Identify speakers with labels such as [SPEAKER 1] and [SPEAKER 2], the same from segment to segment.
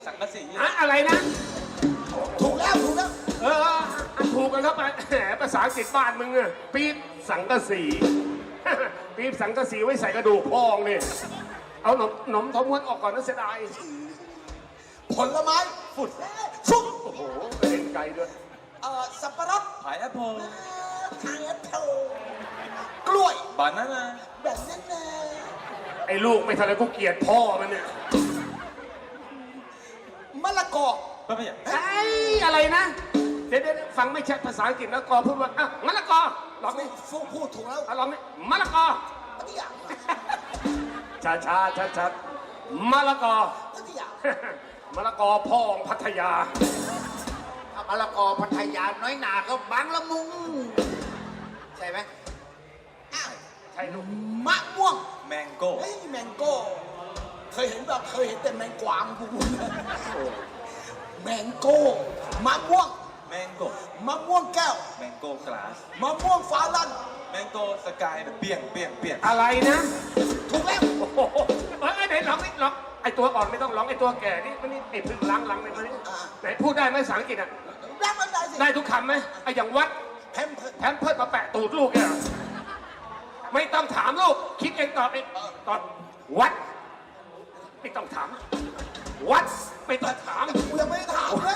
[SPEAKER 1] สังกะสี
[SPEAKER 2] อะไรนะ
[SPEAKER 3] ถูกแล้ว
[SPEAKER 2] ถูกกันเข้าไปแหมภาษาอังกฤษบ้านมึงอะปี๊บสังกะสี ปี๊บสังกะสีไว้ใส่กระดูกพองนี่เอาหนมทอมม้วนออกก่อนนะเสียดาย
[SPEAKER 3] ผลไม้
[SPEAKER 2] ฝุ่น
[SPEAKER 3] ชุบ
[SPEAKER 2] โอ้โหกระเด็นไกลด้วย
[SPEAKER 3] สับปะรด
[SPEAKER 1] พายแอปเปิล
[SPEAKER 3] ทางแอปเปิลกล้วย
[SPEAKER 1] บานาน่า
[SPEAKER 3] แบบนั้นนะ
[SPEAKER 2] ไอ้ลูกไม่ทันเลยกูเกลียดพ่อมันเนี่ย
[SPEAKER 3] มะละกอ
[SPEAKER 1] ก็ไม่อยาก
[SPEAKER 2] ไอ้อะไรนะเดี๋ยวฟังไม่ชัดภาษาอังกฤษนะกอพูดว่าอ่ะมะละกอลองนี่
[SPEAKER 3] ฟุกพูดถูกแล้ว
[SPEAKER 2] ลองนี่มะละกอ
[SPEAKER 3] พัทยา
[SPEAKER 2] ช้ามะละกอ
[SPEAKER 3] พัทยาม
[SPEAKER 2] ะละกอพ่องพัทยา
[SPEAKER 3] มะละกอพัทยาน้อยหนาก็บางละมุงใช่ไหมอ้าว
[SPEAKER 2] ใช่ลูก
[SPEAKER 3] มะม่วง
[SPEAKER 1] แมงโก้
[SPEAKER 3] เฮ้ยแมงโก้เคยเห็นแบบเคยเห็นแต่แมงกวางกูแมงโก้มะม่วง
[SPEAKER 1] แมงโก้
[SPEAKER 3] มะม่วงแก้ว
[SPEAKER 1] แมงโก้กลาส
[SPEAKER 3] มะม่วงฟ้าลั่น
[SPEAKER 1] แมงโก้สกายเปี่ยง
[SPEAKER 2] อะไรนะ
[SPEAKER 3] ถูกแล้ว
[SPEAKER 2] โอ้โหไหนร้องนี่ร้องไอตัวอ่อนไม่ต้องร้องไอตัวแก่นี่มันนี่ไอพึ่งล้างหลังเลยมันนี่ไหนพูดได้ไหมภาษาอังกฤษอ่ะ
[SPEAKER 3] แล้วมันได้สิ
[SPEAKER 2] ได้ทุกคำไหมไออย่างวัด
[SPEAKER 3] แพมเพิร์ส
[SPEAKER 2] แพมเพิร์ดมาแปะตูดลูกเนี่ยไม่ต้องถามลูกคิดเองตอบเองตอบวัดไม่ต้องถามวัดไม่ต้องถาม
[SPEAKER 3] กูยังไม่ได้ถามเลย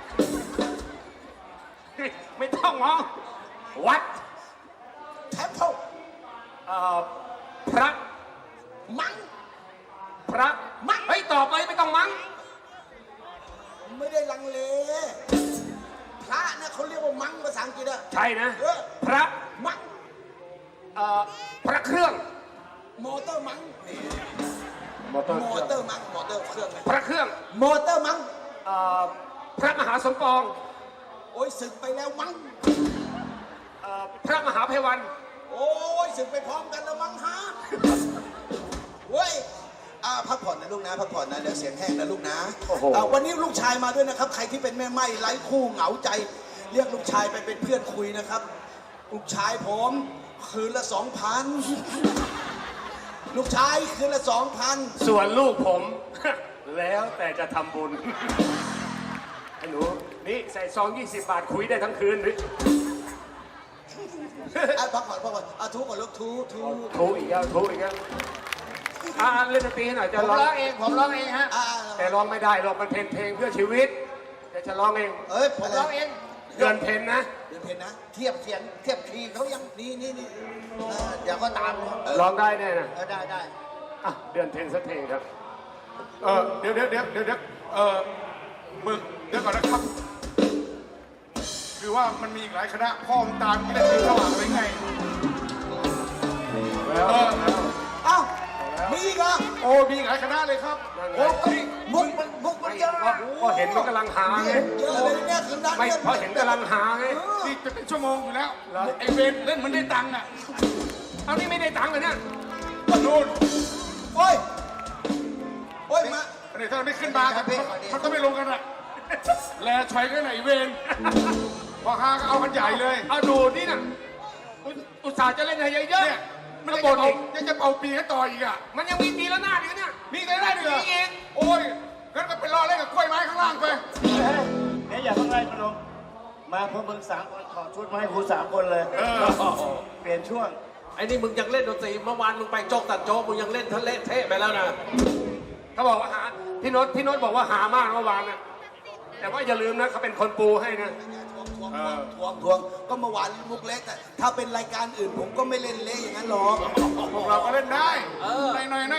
[SPEAKER 2] ไม่ต้องมองวัด
[SPEAKER 3] แทมเพิล
[SPEAKER 2] พระ
[SPEAKER 3] มัง
[SPEAKER 2] พระมั้งเฮ้ยตอบเลยไม่ต้องมั้ง
[SPEAKER 3] ไม่ได้ลังเลพระนะเขาเรียกว่ามังภาษาอังกฤษอะ
[SPEAKER 2] ใช่นะ
[SPEAKER 3] เออ
[SPEAKER 2] พระ
[SPEAKER 3] มัง
[SPEAKER 2] พระเครื่อง
[SPEAKER 3] มอเตอร์มัง
[SPEAKER 2] มอเตอร์
[SPEAKER 3] มอเตอร์มังมอเตอร์เครื่องนะ
[SPEAKER 2] พระเครื่อง
[SPEAKER 3] มอเตอร์มัง
[SPEAKER 2] พระมหาสมปอง
[SPEAKER 3] โอ้ยศึกไปแล้วมัง
[SPEAKER 2] พระมหาไพวัน
[SPEAKER 3] โอ้ยศึกไปพร้อมกันแล้วมังฮะเว้ยพักผ่อนนะลูกนะพักผ่อนนะเดี๋ยวเสียงแห้งนะลูกนะวันนี้ลูกชายมาด้วยนะครับใครที่เป็นแม่ไม้ไร้คู่เหงาใจ เรียกลูกชายไปเป็นเพื่อนคุยนะครับ ลูกชายผมคืนละ 2,000 ลูกชายคืนละ 2,000
[SPEAKER 2] ส่วนลูกผม แล้วแต่จะทำบุญไอ้หนูนี่ใส่ซอง20 บาทคุยได้ทั้งคืนหรือ
[SPEAKER 3] พักผ่อนทุกก่อนลูกทุ
[SPEAKER 2] โทรอีกแล้วเล่นดนตรีให้หน่อยจะ
[SPEAKER 3] ผม
[SPEAKER 2] ร้อง
[SPEAKER 3] ร้องเองผมร้องเองฮะ
[SPEAKER 2] แต่ร้องไม่ได้หรอกมันเพลงเพื่อชีวิตแต่จะร้องเอง
[SPEAKER 3] เอ้ยผมร้องเอง
[SPEAKER 2] เดือนเพลนะ
[SPEAKER 3] เดี๋ยวเพลงนะเทียบเสียงเทียบคีย์เขายังนี่เดี๋ยวก็ตาม
[SPEAKER 2] ร้องได้แน่นะ
[SPEAKER 3] ได้
[SPEAKER 2] อ่ะเดือนเพลสักเพลงครับ
[SPEAKER 4] เดี๋ยวมึงเดี๋ยวก่อนนะครับ คือว่ามันมีอีกหลายคณะพ่อมึงตามไม่ได้ที่สว่างไปไง
[SPEAKER 3] เอ้ามีอีกเหรอ
[SPEAKER 4] โอ้มีอีกหลายคณะเลยครับโอ้นี่
[SPEAKER 3] มุกมันเยอะ
[SPEAKER 2] ก็เห็นมันกำลังหาไง
[SPEAKER 3] เยอะเลยเนี่ยคือนั้น
[SPEAKER 2] ไม่เพราะเห็นกำลังหาไง
[SPEAKER 4] นี่จะเป็นชั่วโมงอยู่แล้วไอเวรเล่นเหมันได้ตังค์อ่ะ
[SPEAKER 2] เอานี่ไม่ได้ตังค์เลยเนี่ย
[SPEAKER 4] นู่น
[SPEAKER 3] โอ้ยมา
[SPEAKER 4] อันนี้ถ้าไม่ขึ้นมาเขาก็ไม่ลงกันอ่ะแลชอยกันไหนเวรพอฮาก็เอากันใหญ่เลย
[SPEAKER 2] เอาดูนี่นะอุตส่าห์จะเล่นให้เยอะ
[SPEAKER 4] เนี่ย
[SPEAKER 2] ๆ
[SPEAKER 4] มั
[SPEAKER 2] มัน น
[SPEAKER 4] จะ
[SPEAKER 2] บ่น
[SPEAKER 4] เป่า
[SPEAKER 2] อีก
[SPEAKER 4] ยังจะเป่าปีให้ต่ออีกอ่ะ
[SPEAKER 2] มันยังมีตีละหน้าดอีกเนี่ย
[SPEAKER 4] มีได้ได้ด้วยเหรอ
[SPEAKER 2] มีอีก
[SPEAKER 4] โอ้ยงั้นก็ไปรอเล่นกับกล้วยไม้ข้างล่างไป
[SPEAKER 5] เดี๋ยวอย่าเพิ่งไล่มาลงมาพวกมึง3 คนขอชุดมาให้กู3 คนเลยเปลี่ยนช่วง
[SPEAKER 6] ไอ้นี่มึงยังเล่นดนตรีเมื่อวานมึงไปโจกตัดโจกมึงยังเล่นทะเลเทะไปแล้วนะ
[SPEAKER 2] เขาบอกว่าหาพี่โน้ตบอกว่าหามากเมื่อวานนะแต่ว่าอย่าลืมนะเขาเป็นคนปูให้นะ
[SPEAKER 3] ทวงก็เมื่อวานมุกเล็กแต่ถ้าเป็นรายการอื่นผมก็ไม่เล่นเละอย่างนั้นหรอก
[SPEAKER 4] พวกเราก็เล่นได้หน่อย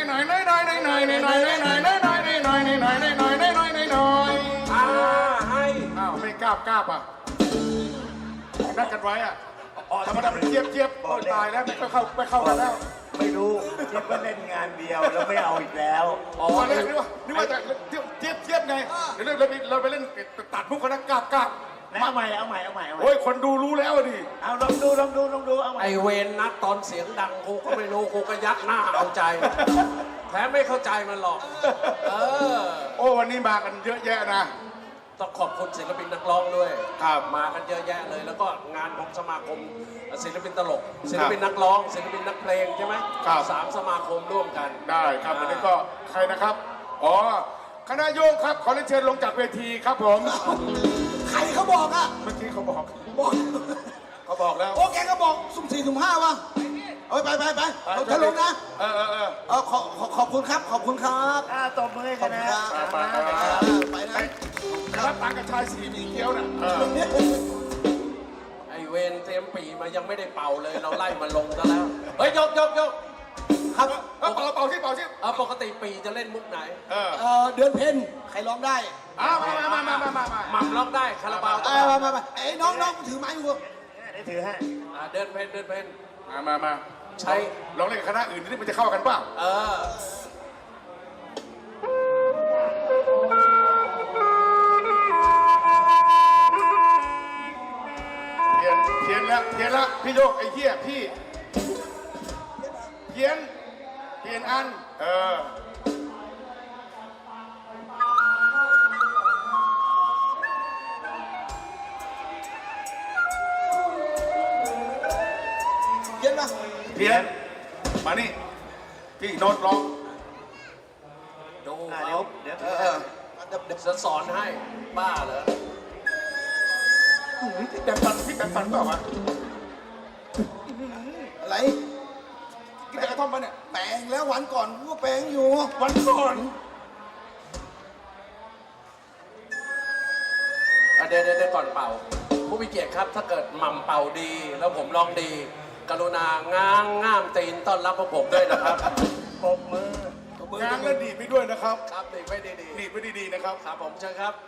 [SPEAKER 6] ให้
[SPEAKER 4] อ้าวไม่กล้าป่ะนัดกันไว้อ่ะธรรมดามันเจี๊ยบตายแล้วไม่เข้ากันแล้ว
[SPEAKER 5] ไม่รู้คิดว่าเล่นงานเดียวแล้วไม่เอาอีกแล้ว
[SPEAKER 4] ตอนแรกนึกว่าจะเจี๊ยบไงเดี๋ยวเราไปเล่นตัดมุกกันนะกล้า
[SPEAKER 5] เอาใหม่
[SPEAKER 4] โอ้ยคนดูรู้แล้วดิ
[SPEAKER 5] เอาลองดูเอาใหม่
[SPEAKER 6] ไอเวนนัดตอนเสียงดังกูก็ไม่รู้กูก็ยักหน้าเอาใจแถมไม่เข้าใจมันหรอก
[SPEAKER 4] โอ้วันนี้มากันเยอะแยะนะ
[SPEAKER 6] ต้องขอบคุณศิลปินนักร้องด้วย
[SPEAKER 4] ครับ
[SPEAKER 6] มากันเยอะแยะเลย แล้วก็งานของสมาคมศิลปินตลกศิลปินนักร้องศิลปินนักเพลงใช่ไหม
[SPEAKER 4] ครับ
[SPEAKER 6] 3 สมาคมร่วมกัน
[SPEAKER 4] ได้ครับวันนี้ก็ใครนะครับอ๋อคณะโยงครับขอเรียนเชิญลงจากเวทีครับผม
[SPEAKER 3] ใครเขาบอกอะ
[SPEAKER 4] เมื่อกี้เขาบอก
[SPEAKER 3] บอก
[SPEAKER 4] เขาบอกแล้ว
[SPEAKER 3] โอ้แกก็บอกสุ่มสี่สุ่มห้าวะเอ้ยไปเราจะลงนะ
[SPEAKER 4] เออ
[SPEAKER 3] ขอบคุณครับขอบคุณครับ
[SPEAKER 5] ตบมือให้
[SPEAKER 3] ข
[SPEAKER 5] ค
[SPEAKER 3] อบคุณ
[SPEAKER 5] ณะ
[SPEAKER 3] ครับ
[SPEAKER 4] ไป
[SPEAKER 3] ไปนะ
[SPEAKER 4] รับตังค์กับชายสีมีเกี้ยวน่ะ
[SPEAKER 6] ไอเวนเตรียมปีมายังไม่ได้เป่าเลย เราไล่มาลงซะแล้ว เฮ้ย ยก
[SPEAKER 3] ครับ
[SPEAKER 4] เป่าสิ
[SPEAKER 6] ปกติปีจะเล่นมุกไหน
[SPEAKER 3] เดือนเพ็ญใครร้องได้
[SPEAKER 4] มา
[SPEAKER 6] หม่ำร้องได้คาราบาว
[SPEAKER 3] มาไอ้น้องถือไม้อยู่
[SPEAKER 5] ได้ถือให้
[SPEAKER 6] เดินเพน
[SPEAKER 4] มา
[SPEAKER 6] ใช้
[SPEAKER 4] ลองเล่นกับคณะอื่นนี่มันจะเข้ากันเปล่า
[SPEAKER 6] เออ
[SPEAKER 4] เพี้ยนแล้วพี่โยกไอ้เหี้ยพี่เพี้ยนอัน
[SPEAKER 3] เย็นปะ
[SPEAKER 4] เพี้ยนมานี่พี่โน้ตร้อง
[SPEAKER 6] ดู
[SPEAKER 5] เดี๋ยว
[SPEAKER 3] เดี๋ยว
[SPEAKER 6] จะสอนให้ บ้าเหรอ
[SPEAKER 4] พี่แต่ฝันเปล่าวะ
[SPEAKER 3] อะไร
[SPEAKER 4] กินแต่กระท่อมปะเนี่ย
[SPEAKER 3] แปลงแล้ววันก่อนกูก็แปลงอยู่
[SPEAKER 4] วันก่อน
[SPEAKER 6] เดี๋ยวก่อนเป่า ผู้มีเกียรติครับ ถ้าเกิดหม่ำเป่าดี แล้วผมร้องดี กรุณาง่ามตีนต้อนรับพวกผมด้วยนะครับ
[SPEAKER 5] ปรบมือ
[SPEAKER 4] ง้างแล้วดีดไปด้วยนะครับ
[SPEAKER 6] ครับดีไม่ดี
[SPEAKER 4] ดีดไปดีๆนะครับ
[SPEAKER 6] ครับผมเชิญครับ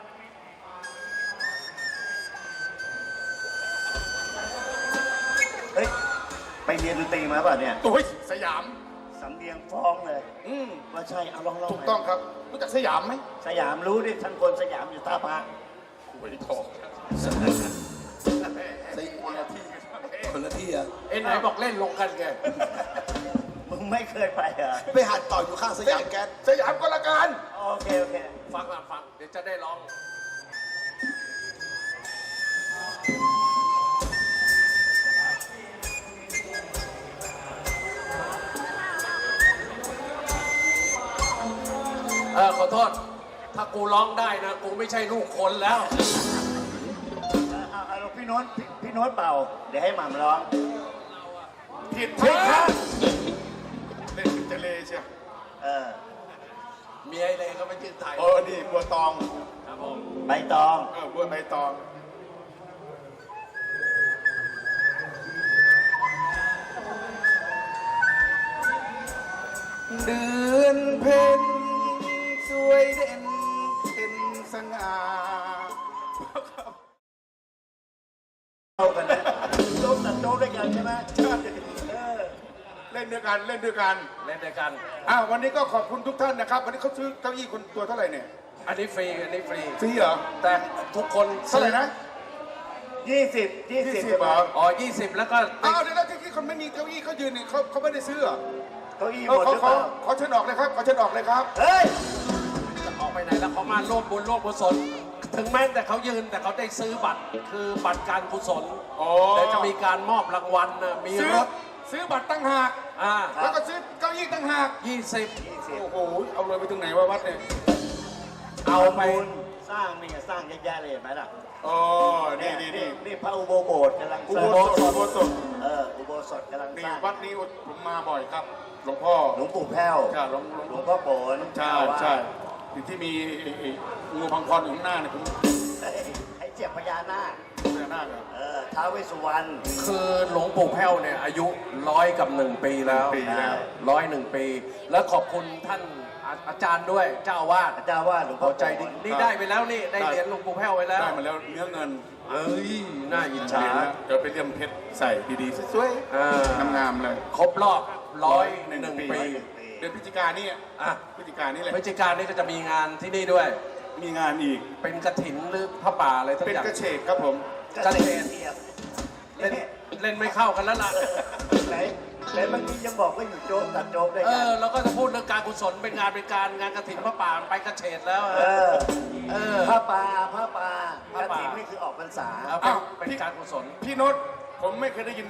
[SPEAKER 5] เฮ้ย ไปเรียนดนตรีมาป่ะเนี่ย
[SPEAKER 4] โอ้ยสยาม
[SPEAKER 5] สำเนียงฟ้องเลย ว่าใช่ เอาลอง
[SPEAKER 4] ถูกต้องครับ รู้จักสยามไหม
[SPEAKER 5] สยามรู้ดิทั้งคนสยามอยู่ท่าพระ
[SPEAKER 4] หวยทอง
[SPEAKER 3] คนละที่อะ
[SPEAKER 6] ไหนบอกเล่นลงกันไง
[SPEAKER 5] มึงไม่เคยไปเหรอ
[SPEAKER 3] ไปหัดต่อยอยู่ข้างสยามแก๊ส
[SPEAKER 4] สยามก็ละกัน
[SPEAKER 5] โอเค
[SPEAKER 6] ฟัง เดี๋ยวจะได้ร้อง ขอโทษ ถ้ากูร้องได้นะ กูไม่ใช่ลูกคนแล้ว
[SPEAKER 5] เอาพี่โน้ตเป่า เดี๋ยวให้หม่ำร้อง
[SPEAKER 4] ผิดทางเล่นเป็นเจเลเชียว
[SPEAKER 5] เออ
[SPEAKER 6] เมียไอ้เลยก็ไม่ชื่อไทย
[SPEAKER 4] นี่บัวตอง
[SPEAKER 6] ครับผม
[SPEAKER 5] ใบตอง
[SPEAKER 4] บัวใบตอง เดือนเพ็ญสวยเด่นเป็นสง่า
[SPEAKER 5] เข้ากันนะโจ๊กตัดโจ๊กด้วยกันใช่ไหม
[SPEAKER 4] ใช่
[SPEAKER 5] เออ
[SPEAKER 4] เล่นด้วยกัน
[SPEAKER 6] เล่นด้วยกัน
[SPEAKER 4] วันนี้ก็ขอบคุณทุกท่านนะครับ วันนี้เขาซื้อเก้าอี้คนตัวเท่าไหร่เนี่ย
[SPEAKER 6] อันนี้ฟรี
[SPEAKER 4] ฟรีเหรอ
[SPEAKER 6] แต่ทุกคน
[SPEAKER 4] เท่าไหร่นะ
[SPEAKER 5] 20
[SPEAKER 4] เหรอ
[SPEAKER 6] 20 แล้วก็
[SPEAKER 4] เดี๋ยวที่คนไม่มีเก้าอี้เขายืนเนี่ยเขาไม่ได้ซื้อเหรอ
[SPEAKER 5] เก้าอี้ห
[SPEAKER 4] เขา
[SPEAKER 5] มดหรือเปล่า
[SPEAKER 4] เขาเชิญออกเลยครับเขาเชิญออกเลยครับ
[SPEAKER 5] เฮ้ย
[SPEAKER 6] จะออกไปไหนแล้วเขามาร่วมบุญร่วมกุศลถึงแม้แต่เขายืนแต่เขาได้ซื้อบัตร คือบัตรการกุศล
[SPEAKER 4] อ๋อ
[SPEAKER 6] เดี๋ยวจะมีการมอบรางวัลนะมีรถ
[SPEAKER 4] ซื้อบัตรตั้งหาก แล้วก็ซื้อเก้าอี้ตั้งหาก
[SPEAKER 6] 20
[SPEAKER 4] โอ้โห เอาเลยไปถึงไหนวะวัดเนี่ย
[SPEAKER 6] เอาไป
[SPEAKER 5] สร้างนี่สร้างเยอะแยะเลยเห็นไหมล่ะ
[SPEAKER 4] อ๋อ นี่
[SPEAKER 5] นี่พระอุโบโบสถ์กำลัง
[SPEAKER 4] อุ
[SPEAKER 5] สร้าง
[SPEAKER 4] โบสถ
[SPEAKER 5] อุโบสถกำลัง
[SPEAKER 4] นี่
[SPEAKER 5] สร้าง
[SPEAKER 4] วัดนี้ผมมาบ่อยครับ หลวงพ่อ
[SPEAKER 5] หลวงปู่แพ้ว
[SPEAKER 4] ใช่หล
[SPEAKER 5] หล
[SPEAKER 4] ว
[SPEAKER 5] ว
[SPEAKER 4] ง
[SPEAKER 5] งพ่อโบน
[SPEAKER 4] ใช่ที่มีงูพังพรอยู่ข้างหน้าเนี่ยผม
[SPEAKER 5] ให้เจียบพญานาค
[SPEAKER 4] พญานาคเหรอ
[SPEAKER 5] ท้าวเวสสุวรรณ
[SPEAKER 6] คือหลวงปู่แพ้วเนี่ยอายุ101 ปีแล้ว
[SPEAKER 4] ปีแล้ว
[SPEAKER 6] 101 ปี แล้วขอบคุณท่านอาจารย์ด้วยเจ้าอาวาส
[SPEAKER 5] เจ้าว่าหลวง
[SPEAKER 6] พ
[SPEAKER 5] พ่อ
[SPEAKER 6] อใจดีนี่ได้ไปแล้วนี่ได้เหรียญหลวงปู่แพ้วไปแล้ว
[SPEAKER 4] ได้มาแล้วเนื้อเงิน
[SPEAKER 6] เอ้ยน่าอิจฉา
[SPEAKER 4] เดี๋ยวไปเลี่ยมเพชรใส่ดีๆสวย
[SPEAKER 6] อ่า
[SPEAKER 4] ๆงามๆเลย
[SPEAKER 6] ครบรอบ101 ปี
[SPEAKER 4] เดือนพฤศจิกานี่
[SPEAKER 6] อ่ะ
[SPEAKER 4] พฤศจิกานี่แหละ
[SPEAKER 6] พฤศจิกายนนี้ก็จะมีงานที่นี่ด้วย
[SPEAKER 4] มีงานอีก
[SPEAKER 6] เป็นกระถินหรือพระป่าอะไรทั้ง
[SPEAKER 4] เป็น
[SPEAKER 6] อย่าง
[SPEAKER 4] กระเฉกครับผม
[SPEAKER 6] กระเทน
[SPEAKER 5] เทียบ
[SPEAKER 6] เล่นไม่เข้ากันแล้วล่ะ
[SPEAKER 5] ไหนเมื่อกี้ยังบอกว่าอยู่โจ๊กตัดโจ๊กด้วยกัน
[SPEAKER 6] แล้วก็จะพูดเรื่องการกุศลเป็นงานงานกระถินพระป่าไปกระเฉดแล้ว
[SPEAKER 5] ผ้าป่ากระถิ่นนี่คือออกพรรษา
[SPEAKER 6] เป็นการกุศล
[SPEAKER 4] พี่โน้ตผมไม่เคยได้ยิน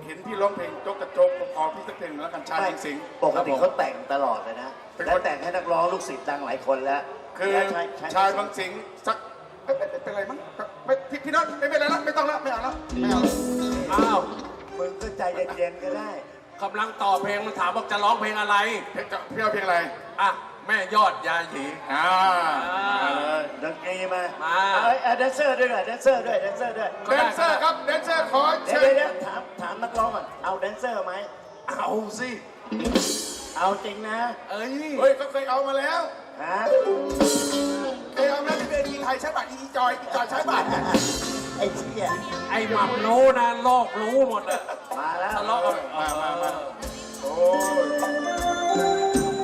[SPEAKER 4] เห็นพี่ร้องเพลงโจ๊กกระโจกผมขอพี่สักเพลงแล้วกันชาติสิงห์
[SPEAKER 5] ปกติเขาแต่งตลอดเลยนะ
[SPEAKER 4] เป็นคน
[SPEAKER 5] และแต่งให้นักร้องลูกศิษย์ดังหลายคนแล้ว
[SPEAKER 4] คือ
[SPEAKER 5] และ
[SPEAKER 4] ชายบางสิงห์สักเป็นไรมั้งไม่พี่น็อตไม่เป็นไรแล้วไม่ต้องแล้วไม่เอาแล้วไม่เอาแล้ว
[SPEAKER 6] อ้าว
[SPEAKER 5] มึงก็ใจเย็นๆก็ได้
[SPEAKER 6] กำลังต่อเพลงมันถามว่าจะร้องเพลงอะไร
[SPEAKER 4] พี่เอาเพลงอะไร
[SPEAKER 6] อ่ะ แม่ยอดยาหยี
[SPEAKER 4] มาเลย
[SPEAKER 5] ดนตรีมา
[SPEAKER 6] มา
[SPEAKER 5] เอาแดนเซอร์ด้วยหน่อยแดนเซอร์ด้วยแดนเซอร์ด้วย
[SPEAKER 4] แดนเซอร์ครับแดนเซอร์ขอ
[SPEAKER 5] เดี๋ย
[SPEAKER 4] เชิ
[SPEAKER 5] ว
[SPEAKER 4] ญ
[SPEAKER 5] เดี๋ยวถามนักร้องก่อนเอาแดนเซอร์ไหม
[SPEAKER 6] เอาสิ
[SPEAKER 5] เอาจริงนะ
[SPEAKER 6] เอ้ย
[SPEAKER 4] เฮ้ยก็เคยเอามาแล้ว
[SPEAKER 5] ฮะ
[SPEAKER 4] เคยเอามาที่เวทีไทยใช้บัตรอีจอยใช้บัตร
[SPEAKER 5] ไอ้เชี่ย
[SPEAKER 6] ไอ้หม่ำรู้นะโลกรู้หมดอะ
[SPEAKER 5] มาแล้ว
[SPEAKER 6] ทะเลาะกัน
[SPEAKER 4] มาโอ้ย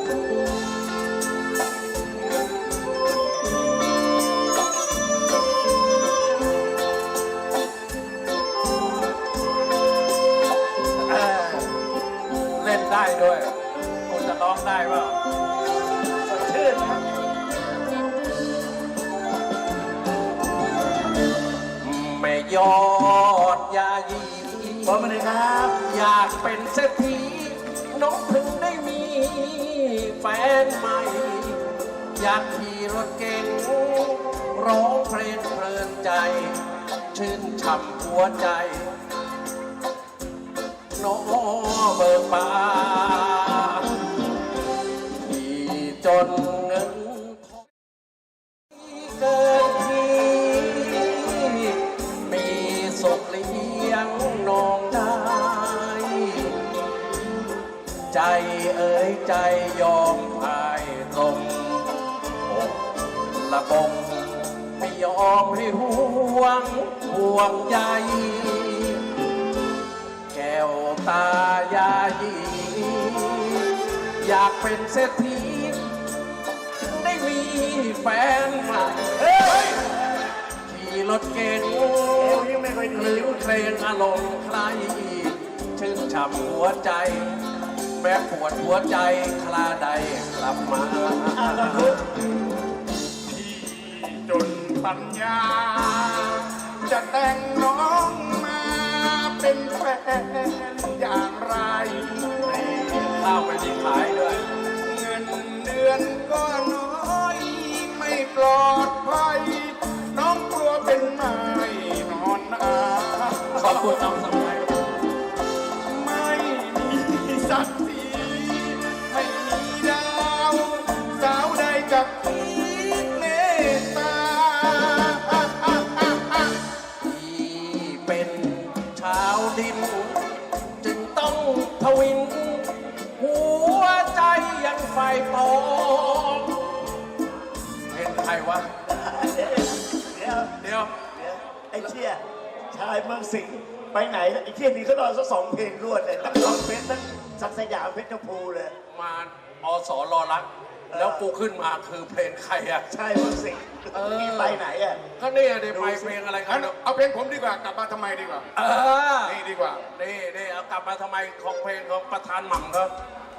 [SPEAKER 5] เออ
[SPEAKER 6] เล่นได้ด้วยคุณจะร้องได้เปล่า
[SPEAKER 5] สดชื่นนะ
[SPEAKER 6] แม่ยอดยาหยี
[SPEAKER 5] พร้อมมาเลยครับ
[SPEAKER 6] อยากเป็นเศรษฐีน้องถึงได้มีแฟนใหม่ อยากขี่รถเก๋งร้องเพลงเพลินใจ ชื่นฉ่ำหัวใจน้องเบิกบานที่จนเงินทองเกินที่มีสุขเลี้ยงน้องได้ ใจเอ๋ยใจยอมพายตรงอกละบงไม่ยอมให้ห่วงใยแก้วตายาหยีอยากเป็นเศรษฐีได้มีแฟนใหม่ขี่รถเก๋ง
[SPEAKER 5] เอวยังไม่ค่อย
[SPEAKER 6] ห
[SPEAKER 5] ดี
[SPEAKER 6] รือเพลงอารมณ์ใครชื่นฉ่ำหัวใจ แม้ปวดหัวใจคลาใดกลับมา
[SPEAKER 4] พี่จนปัญญา จะแต่งน้องมาเป็นแฟนอย่างไร
[SPEAKER 6] ข้าวไปที่ขายด้วย
[SPEAKER 4] เงินเดือนก็น้อยไม่ปลอดภัย น้องกลัวเป็นไม้นอนอา
[SPEAKER 6] ขอบคุณน้องสมัย
[SPEAKER 4] ไม่มีศักดิ์ศรีไม่มีดาว สาวใดกับพี่เมตตา
[SPEAKER 6] ที่เป็นชาวดิน จึงต้องทวิน หัวใจยังไฟปองเป็นใครวะ
[SPEAKER 5] เดี๋ยว
[SPEAKER 6] เดี๋ยว
[SPEAKER 5] ไอ้เชี่ยชายเมืองสิงห์ไปไหนไอ้เชี่ยนี่ก็นอนซะ2 เพลงรวดเลยทั้งร้องเพชรทั้งศักดิ์สยามเพชรชมพูเลย
[SPEAKER 6] มาอสรอรัก แล้วกูขึ้นมาคือเพลงใครอ่ะ
[SPEAKER 5] ชายเมืองสิงห์นี่ไปไหนอ่ะ
[SPEAKER 6] ก็เนี่ยเดี๋ยวไปเพลงอะไรกั
[SPEAKER 4] งั้
[SPEAKER 6] น
[SPEAKER 4] นเอาเพลงผมดีกว่ากลับมาทำไมดีกว่า
[SPEAKER 6] เออ
[SPEAKER 4] นี่ดีกว่า
[SPEAKER 6] นี่เอากลับมาทำไมของเพลงของประธานหม่ำครับ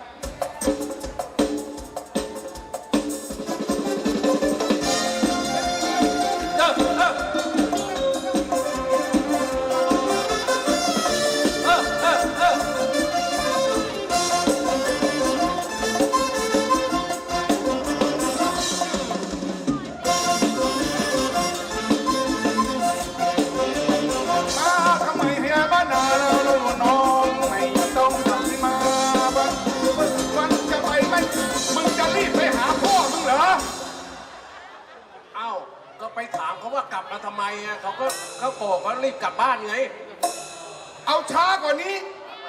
[SPEAKER 4] มาทำไมเฮียบ้านนาเราน้องไม่ต้องทำมาบ้านวันจะไปไหมมึงจะรีบไปหาพ่อมึงเหรอ
[SPEAKER 6] เอ้าก็ไปถามเขาว่ากลับมาทำไมอ่ะเขาโกรธเขารีบกลับบ้านไง
[SPEAKER 4] เอาช้ากว่านี้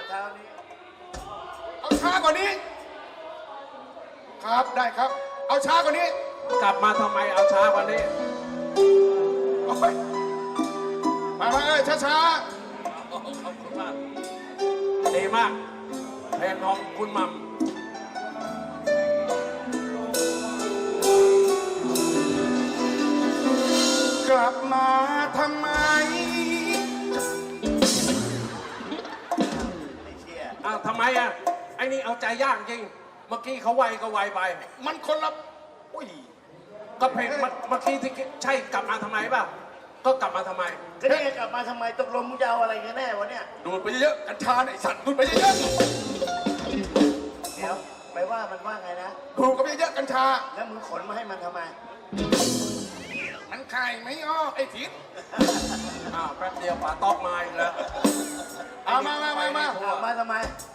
[SPEAKER 4] เอาช้ากว่านี้ ครับได้ครับ เอาช้ากว่านี้
[SPEAKER 6] กลับมาทำไมเอาช้ากว่านี้
[SPEAKER 4] โอ้ยมาช้า
[SPEAKER 6] โอ้โหขอบคุณมากดีมากเพลงของคุณหม่ำ
[SPEAKER 4] ๆกลับมาทำไม
[SPEAKER 5] ไอ้เชี่ย
[SPEAKER 6] อ้าวทำไมอ่ะไอ้นี่เอาใจยากจริง เมื่อกี้เขาไวก็ไวไป
[SPEAKER 4] มันคนละอุ้ย
[SPEAKER 6] ก็เพลงเมื่อกี้ที่ใช่กลับมาทำไมป่ะ
[SPEAKER 2] ก็กลับมาทำไม
[SPEAKER 5] ก็นี่ไงกลับมาทำไมตกลงมึงจะเอาอะไรกันแน่วะเนี่ย
[SPEAKER 4] ดูดไปเยอะๆกัญชาเนี่ยไอ้สัตว์ดูดไปเยอะ
[SPEAKER 5] เดี๋ยวไปว่ามันว่าไงนะ
[SPEAKER 4] ๆดูดก็ไปเยอะๆกัญชา
[SPEAKER 5] แล้วมึงขนมาให้มันทำไม
[SPEAKER 4] มันคายไม่ออกไอ้ทิศ
[SPEAKER 2] อ้าวแป๊บเดียวป๋าตอกมาอีกแล้ว
[SPEAKER 4] เอามา
[SPEAKER 5] เอามาทำไม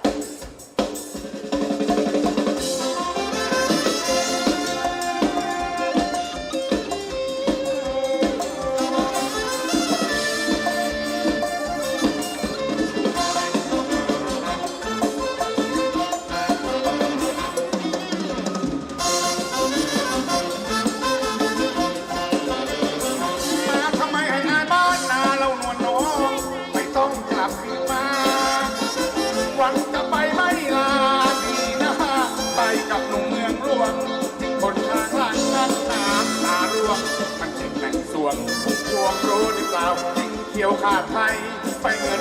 [SPEAKER 4] มาทำไมให้อายบ้านนาเรานวลน้องไม่ต้องกลับคืนมา หวังจะไปไม่ลาดีนะไปกับหนุ่มเมืองหลวงคนทางหลังนั้นน้ำตาร่วงมันจึงแต่งสวงพวงรู้หรือเปล่ายิ่งเขียวขาดไทยไปเงิน